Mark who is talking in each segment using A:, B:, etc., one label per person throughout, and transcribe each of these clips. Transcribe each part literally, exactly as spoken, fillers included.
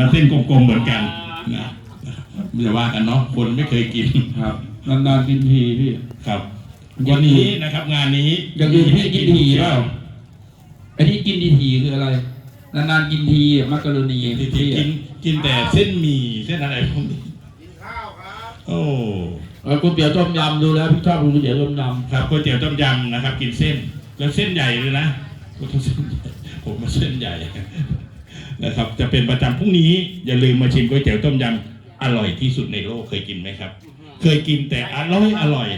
A: เส้นกลมๆเหมือนกันนะไม่จะว่ากันเนาะคนไม่เคยกิน
B: ครับนานๆกินทีพี่
A: ครับวันนี้นะครับงานนี้
B: อย่างอื่นพี่กินทีเปล่าไอ้ที่กินทีทีคืออะไรนานๆกินทีมักกะโรนี
A: ที่กินกินแต่เส้นหมี่เส้นอะไรพวกนี้กินข้าวครับโอ้
B: ก๋วยเตี๋ยวต้มยำดูแล้วพี่ชอบก๋วยเตี๋ยวต้มยำ
A: ครับก๋วยเตี๋ยวต้มยำนะครับกินเส้นแล้วเส้นใหญ่เลยนะผมมาเส้นใหญ่นะครับจะเป็นประจำพรุ่งนี้อย่าลืมมาชิมก๋วยเตี๋ยวต้มยำอร่อยที่สุดในโลกเคยกินไหมครับเคยกินแต่อร่อยอร่อย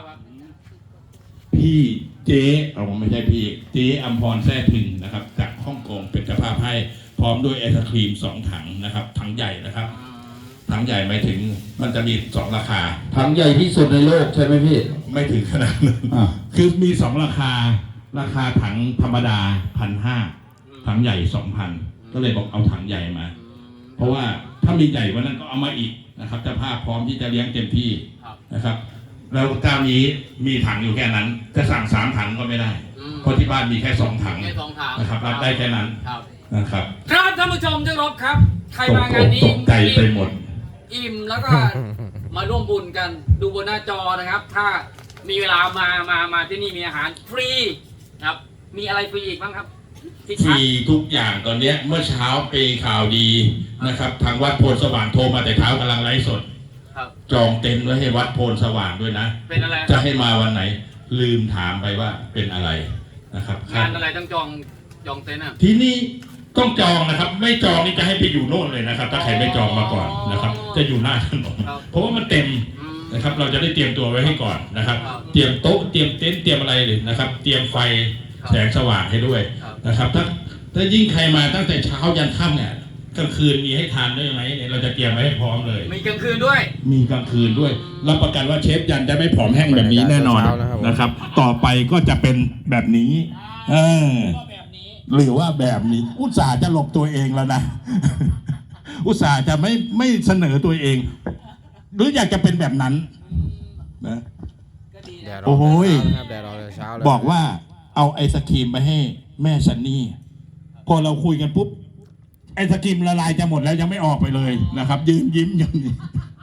A: พี่เจ๊เอาไม่ใช่พี่เจ๊อัมพรแท้ถึงนะครับจากฮ่องกงเป็นเจ้าภาพให้พร้อมด้วยไอศครีมสองถังนะครับถังใหญ่นะครับถังใหญ่หมายถึงมันจะมีสองราคา
B: ถังใหญ่ที่สุดในโลกใช่ไหมพี่
A: ไม่ถึงขนาดนั้นคือมีสองราคาราคาถังธรรมดาพันห้าถังใหญ่สองพันก็เลยบอกเอาถังใหญ่มาเพราะว่าถ้ามีใหญ่กว่านั้นก็เอามาอีกนะครับเจ้าภาพพร้อมที่จะเลี้ยงเต็มที่นะครับแล้วเจ้านี้มีถังอยู่แค่นั้นจะสั่งสามถังก็ไม่ได้เพราะที่บ้านมีแค่สองถังนะครับรับได้แค่นั้นนะครับ
C: ครับท่านผู้ชมที่เคารพครับใครมางานนี้
A: ตกใจไปหมด
C: อิ่มแล้วก็มาร่วมบุญกันดูบนหน้าจอนะครับถ้ามีเวลามามามาที่นี่มีอาหารฟรีครับมีอะไรฟรีอีกบ้างครับ
A: ฟรีทุกอย่างตอนนี้เมื่อเช้าเปข่าวดีนะครับทางวัดโพนสว่างโทรมาแต่เช้ากำลังไลฟ์สดจองเต็นท์ไว้ให้วัดโพนสว่างด้วยนะ
C: เป็นอะไร
A: จะให้มาวันไหนลืมถามไปว่าเป็นอะไรนะครับ
C: งานอะไรต้องจองจองเต็นท์อ่ะ
A: ที่นี่ต้องจองนะครับไม่จองนี่จะให้ไปอยู่โน่นเลยนะครับถ้าใครไม่จองมาก่อนนะครับจะอยู่หน้าถนนเพราะว่ามันเต็มนะครับเราจะได้เตรียมตัวไว้ให้ก่อนนะครับเตรียมโต๊ะเตรียมเต็นท์เตรียมอะไรเลยนะครับเตรียมไฟแสงสว่างให้ด้วยนะครับถ้าถ้ายิ่งใครมาตั้งแต่เช้ายันค่ำเนี่ยกลางคืนมีให้ทานด้วยไหมเราจะเตรียมไว้ให้พร้อมเลย
C: มีกลางคืนด้วย
A: มีกลางคืนด้วยรับประกันว่าเชฟยันจะไม่ผอมแห้งแบบนี้แน่นอนนะครับต่อไปก็จะเป็นแบบนี้เออหรือว่าแบบนี้อุตส่าห์จะหลบตัวเองแล้วนะอุตส่าห์จะไม่ไม่เสนอตัวเองหรืออยากจะเป็นแบบนั้นนะโอ้โหบอกว่าเอาไอศครีมไปให้แม่ซันนี่พอเราคุยกันปุ๊บไอศครีมละลายจะหมดแล้วยังไม่ออกไปเลยนะครับยืนยิ้มอย่างนี้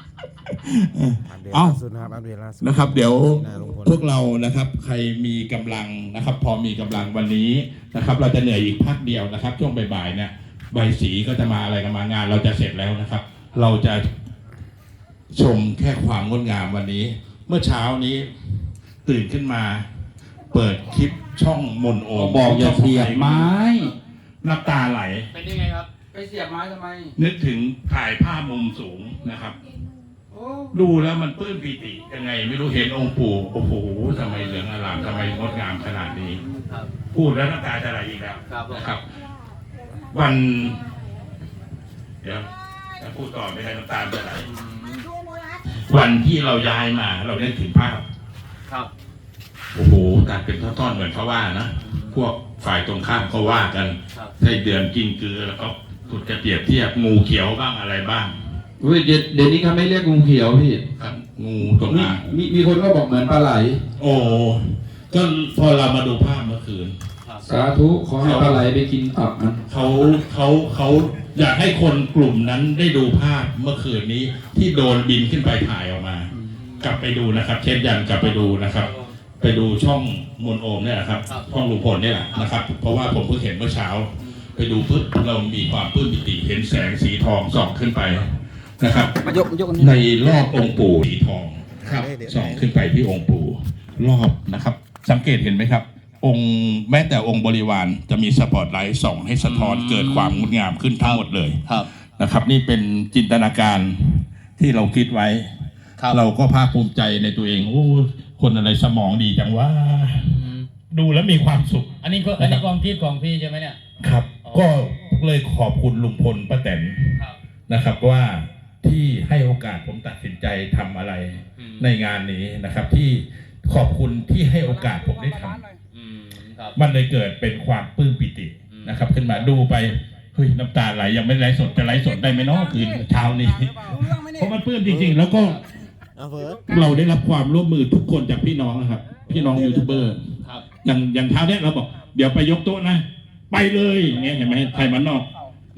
A: เอานะครับเดี๋ยวพวกเรานะครับใครมีกำลังนะครับพอมีกำลังวันนี้นะครับเราจะเหนื่อยอีกพักเดียวนะครับช่วงบ่ายๆเนี่ยใบสีก็จะมาอะไรกันมางานเราจะเสร็จแล้วนะครับเราจะชมแค่ความงดงามวันนี้เมื่อเช้านี้ตื่นขึ้นมาเปิดคลิปช่องมนโอ
B: บอกอย่าเสียบไม้
A: น้ำตาไหล
C: เป็นยังไงครับ
B: ไปเสียบไม้ทำไม
A: นึกถึงถ่ายภาพมุมสูงนะครับดูแล้วมันปลื้มปิติยังไงไม่รู้เห็นองค์ปู่โอ้โหทำไมเหลืองอร่ามทำไมงดงามขนาดนี้พูดแล้วน้ำตาจะไหลอีกแล้วนะครับวันเดี๋ยวจะพูดต่อไม่ได้น้ำตาจะไหลวันที่เราย้ายมาเราได้ถึงภาพ
C: ครับ
A: โอ้โหตัดเป็นท่อนๆเหมือนเขาว่านะพวกฝ่ายตรงข้ามเขาว่ากันใช้เดือนกินเกลือแล้วก็ถูกจะเปรียบเทียบงูเขียวบ้างอะไรบ้าง
B: เฮ้ยเดี๋ยวนี้เขาไม่เรียกงูเขียวพี่
A: ครับงูตรงนั้น
B: มีมีคนก็บอกเหมือนปลาไหล
A: โอ้ก็พอเรามาดูภาพเมื่อคืน
B: สาธุขอให้ปลาไหลไปกินตับนะ
A: เขาเขาเขาอยากให้คนกลุ่มนั้นได้ดูภาพเมื่อคืนนี้ที่โดนบินขึ้นไปถ่ายออกมากลับไปดูนะครับเชฟยันกลับไปดูนะครับไปดูช่องมนโอมเนี่ยนะครับช่องลุงพลเนี่ยแหละนะครับเพราะว่าผมเพิ่งเห็นเมื่อเช้าไปดูปุ๊บเรามีความปลื้มปิติเห็นแสงสีทองส่องขึ้นไปนะครับในรอบองค์ปู่สีทองครับส่องขึ้นไปที่องค์ปู่รอบนะครับสังเกตเห็นไหมครับองค์แม้แต่องค์บริวารจะมีสปอตไลท์ส่องให้สะท้อนเกิดความงดงามขึ้นทั้งหมดเลยนะครับนี่เป็นจินตนาการที่เราคิดไว้เราก็ภาคภูมิใจในตัวเองโอ้คนอะไรสมองดีจังว่าดูแล้วมีความสุข
C: อันนี้ก็อันนี้ความคิดของพี่ใช่ไหมเนี่ย
A: ครับก็เลยขอบคุณลุงพลป้าแตนนะครับว่าที่ให้โอกาสผมตัดสินใจทำอะไรในงานนี้นะครับที่ขอบคุณที่ให้โอกาสผมได้ทำมันเลยเกิดเป็นความปลื้มปิตินะครับขึ้นมาดูไปเฮ้ยน้ำตาไหลยังไม่ไลฟ์สดจะไลฟ์สดได้ไหมเนาะคืนเช้านี้เพราะมันปลื้มจริงๆแล้วก็เราได้รับความร่วมมือทุกคนจากพี่น้องนะครับพี่น้องยูทูบเบอร์อย่างอย่างเช้าเนี้ยเราบอกเดี๋ยวไปยกโต๊ะนะไปเลยอย่างเงี้ยเห็นไหมไทยมันนอก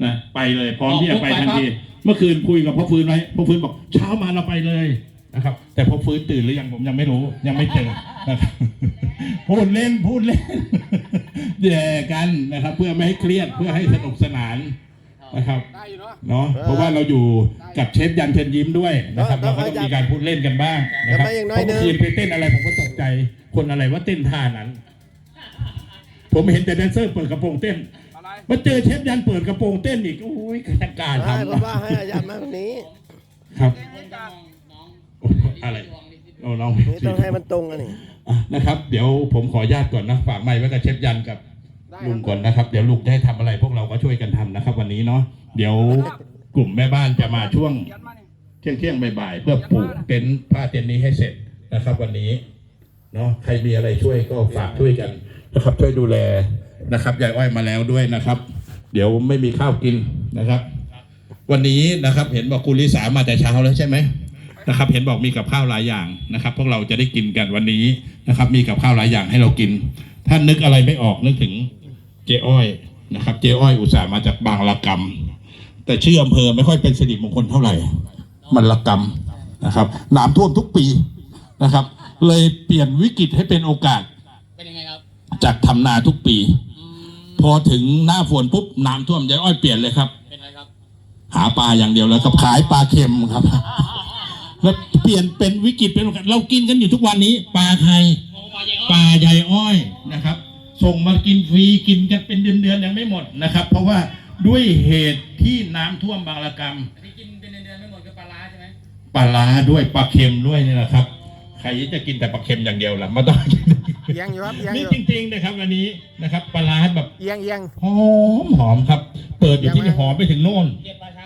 A: นะไปเลยพร้อมที่จะไปทันทีเมื่อคืนคุยกับพ่อฟื้นไว้พ่อฟื้นบอกเช้ามาเราไปเลยนะครับแต่พ่อฟื้นตื่นหรือยังผมยังไม่รู้ยังไม่เจอนะครับ พูดเล่นพูดเล่น แย่กันนะครับ เพื่อไม่ให้เครียดเพื่อให้สนุกสนานนะครับเนาะเพราะว่าเราอยู่กับเชฟยันเชิญยิ้มด้วยนะครับเราก็ต้องมีการพูดเล่นกันบ้างนะครับเพราะเมื่อคืนไปเต้นอะไรผมก็ตกใจคนอะไรว่าเต้นท่านั้น ผมเห็นแต่แดนเซอร์เปิดกระโปรงเต้นมาเจอเชฟยันเปิดกระโปรงเต้นอีกโอ้ยกระการทำ
D: ให้ผมว่าให้อาจารย์มาตรงนี้
A: ครับอะไรโอ้น้อง
D: นี่ต้องให้มันตรงกันนี่
A: อ่ะนะครับ เดี๋ยวผมขออนุญาตก่อนนะฝากไมค์ไว้กับเชฟยันกับลุงก่อนนะครับเดี๋ยวลุงจะให้ทำอะไรพวกเราก็ช่วยกันทำนะครับ วันนี้เนาะเดี๋ยวกลุ่มแม่บ้านจะมาช่วงเที่ยงเที่ยงบ่ายๆเพื่อปลูกเต็นท์ผ้าเต็นท์นี้ให้เสร็จนะครับ วันนี้เนาะใครมีอะไรช่วยก็ฝากช่วยกันนะครับช่วยดูแลนะครับยายอ้อยมาแล้วด้วยนะครับ เดี๋ยวไม่มีข้าวกินนะครับ วันนี้นะครับเห็นบอกคุณลิสามาแต่เช้าแล้วใช่ไหมนะครับ เห็นบอกมีกับข้าวหลายอย่างนะครับ พวกเราจะได้กินกันวันนี้นะครับ มีกับข้าวหลายอย่างให้เรากินถ้านึกอะไรไม่ออกนึกถึงเจ๊อ้อยนะครับเจ๊อ้อยอุตส่าห์มาจากบางละกำแต่ชื่ออำเภอไม่ค่อยเป็นสิริมงคลเท่าไหร่มันละกำนะครับน้ำท่วมทุกปีนะครับ เลยเปลี่ยนวิกฤตให้เป็นโอกาส
C: เป็นยังไงครับ
A: จากทำนาทุกปี พอถึงหน้าฝนปุ๊บน้ำท่วมยายอ้อยเปลี่ยนเลยครับ
C: เป็นอะไรครับ
A: หาปลาอย่างเดียวแล้วครับขายปลาเค็มครับแล้วเปลี่ยนเป็นวิกฤตเป็นโอกาสเรากินกันอยู่ทุกวันนี้ปลาไทยปลาใหญ่อ้อยนะครับ ส่งมากินฟรีกินกันเป็นเดือนๆยังไม่หมดนะครับ เพราะว่าด้วยเหตุที่น้ำท่วมบางระกำ
C: ที่กินเป็นเดือนๆไม่หมดคือปลาร้าใช่ไหม
A: ปลาร้าด้วยปลาเค็มด้วยนี่แหละครับใครจะกินแต่ปลาเค็มอย่างเดียวล่ะไม่ต้องกิน
D: เอียงอยู่ครับเอียงอ
A: นี่
D: ยู่
A: จริงๆนะครับวันนี้นะครับปลาร้าแบบ
D: เอียงเอียง
A: หอมหอมครับ เปิดอยู่ที่นี่หอมไปถึงโน่น
C: เก็บปลาช้า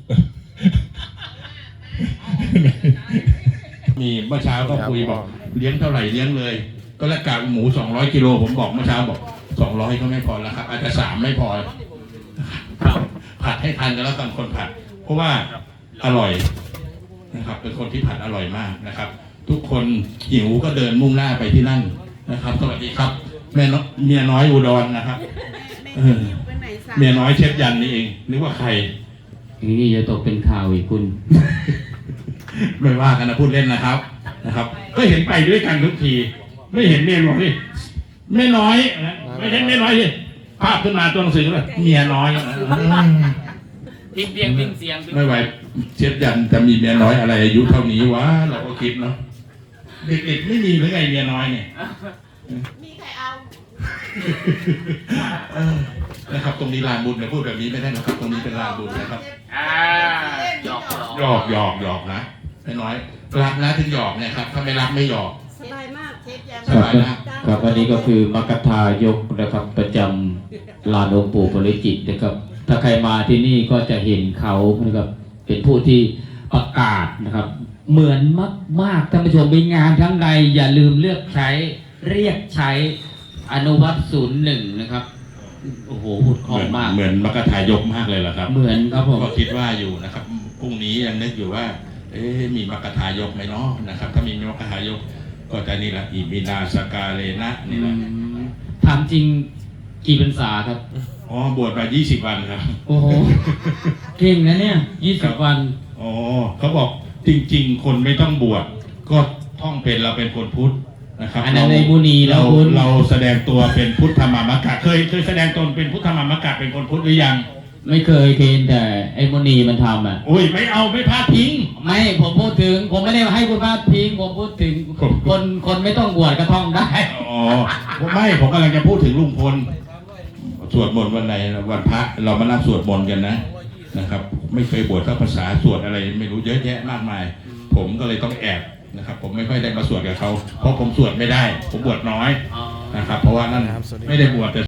A: มีเมื่อเช้าก็คุยบอกเลี้ยงเท่าไหร่เลี้ยงเลย ก็แล้วกากหมูสองร้อยกิโลผมบอกเมื่อเช้าบอกสองร้อยก็ไม่พอแล้วครับ อาจจะสามไม่พอผัดให้ทันกันแล้วกันคนผัด เพราะว่าอร่อยนะครับ เป็นคนที่ผัดอร่อยมากนะครับ ทุกคนหิวก็เดินมุ่งหน้าไปที่นั่นนะครับสวัสดีครับแม่น้อยเมียน้อยอุดรนะครับเออเมียน้อยเชฟยันนี่เองนึกว่าใคร
C: นี่จะตกเป็นข่าวอีกคุณ
A: ไม่ว่ากันนะพูดเล่นนะครับนะครับ ก็เห็นไปด้วยกันทุกที ไม่เห็นเมียบอกนี่ไม่น้อยนะไม่เห็นไม่น้อยสิภาพขึ้นมาตัวหนังสือเลยเมียน้อย
C: พิมพ์เสียงพิมพ์เสียง
A: ไม่ไหวเชฟยันจะมีเมียน้อยอะไรอายุเท่านี้วะเราก็คิดเนาะเด็กๆไม่มีหรือไงเมียน้อยเนี่ย
E: มีใครเอา
A: เออนะครับ ตรงนี้ลานบุญเนี่ยพูดแบบนี้ไม่ได้นะครับ ตรงนี้เป็นลานบุญนะครับ
C: อ่าหยอก
A: หยอกหยอกหยอกนะไม่น้อยรักนะถึงหยอกเนี่ยครับถ้าไม่รักไม่หยอก
E: สบายมากเชฟแยม
A: สบายมาก
F: ครับอันนี้ก็คือมกทายกนะครับประจำลานองค์ปู่ปริจิตรนะครับ ถ้าใครมาที่นี่ก็จะเห็นเขานะครับเป็นผู้ที่ประกาศนะครับ เหมือนมากมากท่านผู้ชมเป็นงานทั้งใดอย่าลืมเลือกใช้เรียกใช้อนุวัตศูนย์หนึ่งนะครับโอ้โหพูดคล่องมาก
A: เหมือนมกทายกมากเลยเหรอครับ
F: เหมือนครับผม
A: ก็คิดว่าอยู่นะครับพรุ่งนี้ยังนึกอยู่ว่า เอ๊ะมีมกทายกไหมเนาะนะครับ ถ้ามีมกทายกก็จะนี่แหละอิมินาสกาเลนะนี่แหละ
F: ถามจริงกี่พรรษาครับ
A: อ๋อบวชมายี่สิบวันครับ
F: โอ้โหเก่งนะเนี่ยยี่สิบวัน
A: อ๋อเขาบอกจริง ๆ คนไม่ต้องบวชก็ท่องเป็นเราเป็นคนพุทธนะครับ
F: อันนั้นในบุญแล้
A: เรา
F: วคุณ
A: เราแสดงตัวเป็นพุทธมามกะเคยเคยแสดงตนเป็นพุทธมามกะเป็นคนพุทธหรือยัง
F: ไม่เคยเคนแต่ไอ้โมนีมันทำอ่ะ
A: โอ้ยไม่เอาไม่พลาดทิ้ง
F: ไม่ผมพูดถึง ผมไม่ได้ให้คุณพาดพิงผมพูดถึง
A: ผม
F: คนคนไม่ต้องบวชก็ท่องได้
A: อ๋อไม่ผมกำลังจะพูดถึงลุงพลสวดมนต์วันไหนวันพระเรามานั่งสวดมนต์กันนะนะครับ ไม่เคยบวชสักภาษาสวดอะไรไม่รู้เยอะแยะมากมาย ผมก็เลยต้องแอบนะครับ ผมไม่ค่อยได้มาสวดกับเขาเพราะผมสวดไม่ได้ ผมบวชน้อยนะครับ เพราะว่านั่นไม่ได้บวชแต่